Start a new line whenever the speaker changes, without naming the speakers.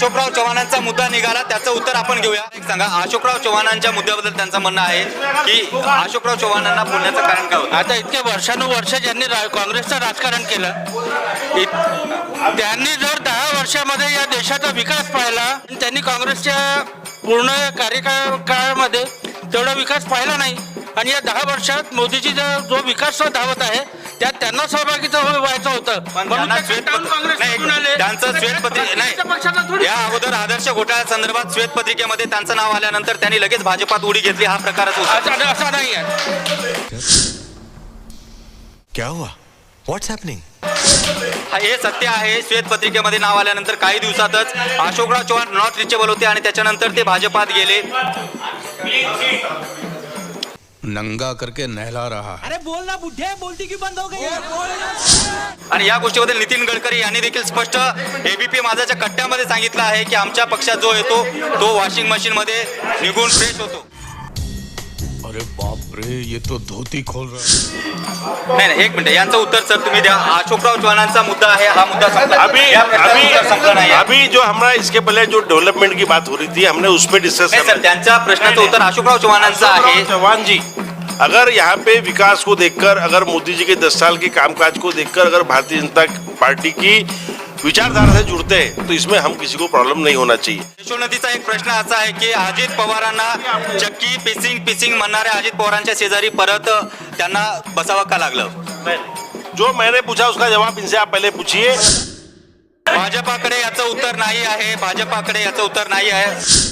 अशोकराव चव्हाणांचा मुद्दा निघाला, त्याचं उत्तर आपण घेऊया. एक सांगा, अशोकराव चव्हाणांच्या मुद्द्याबद्दल त्यांचं म्हणणं आहे की अशोकराव चव्हाणांना बोलण्याचं कारण काय होतं?
आता इतके वर्षानुवर्ष ज्यांनी काँग्रेसचं राजकारण केलं, त्यांनी जर 10 वर्षामध्ये या देशाचा विकास पाहिला, त्यांनी काँग्रेसच्या पूर्ण कार्यकाळामध्ये तेवढा विकास पाहिला नाही. आणि या 10 वर्षात मोदीजी जो विकास धावत आहे त्यात त्यांना सहभागी व्हायचं होतं.
त्यांचं श्वेतपत्रिका नाही, या अगोदर आदर्श घोटाळ्या संदर्भात श्वेतपत्रिकेमध्ये त्यांचं नाव आल्यानंतर त्यांनी लगेच भाजपात उडी घेतली, हा प्रकारच होता.
असा नाही आहे.
क्या हुआ? What's happening?
हे सत्य आहे. श्वेतपत्रिकेमध्ये नाव आल्यानंतर काही दिवसातच अशोकराव चव्हाण नॉट रिचेबल होते आणि त्याच्यानंतर ते भाजपात गेले.
नंगा करके नहला रहा.
अरे बोल ना बुढ़े, बोलती क्यों बंद हो गई?
आणि या गोष्टीबद्दल नितीन गडकरी यांनी देखील स्पष्ट एबीपी माझाच्या कट्ट्यामध्ये सांगितलं आहे की आमच्या पक्षात जो येतो तो वॉशिंग मशीन मध्ये निघून फ्रेश होतो.
अरे बाप रे, ये तो धोती खोल रहा.
नाही, एक मिनिट, यांचं उत्तर सर तुम्ही द्या. अशोकराव चव्हाणांचा मुद्दा आहे, हा मुद्दा संपला. संपला नाही.
अभी जो हमारा इसके पहले जो डेवलपमेंट की बात हो रही थी, हमने उस पर डिस्कस
नाही सर, त्यांच्या प्रश्नाचं उत्तर अशोकराव चव्हाणांचं आहे.
चौहान जी, अगर यहाँ पे विकास को देखकर, अगर मोदी जी के 10 साल के कामकाज को देखकर अगर भारतीय जनता पार्टी की विचारधारा से जुड़ते हैं तो इसमें हम किसी को प्रॉब्लम नहीं होना चाहिए.
यशोनतीचा एक प्रश्न असा आहे की अजित पवारांना चक्की पिसिंग म्हणणाऱ्या अजित पवारांच्या शेजारी परत त्यांना बसावं का लागलं?
जो मैंने पूछा उसका जवाब इनसे आप पहले पूछिए.
भाजपाकडे याचं उत्तर नाही आहे. भाजपाकडे याचं उत्तर नाही आहे.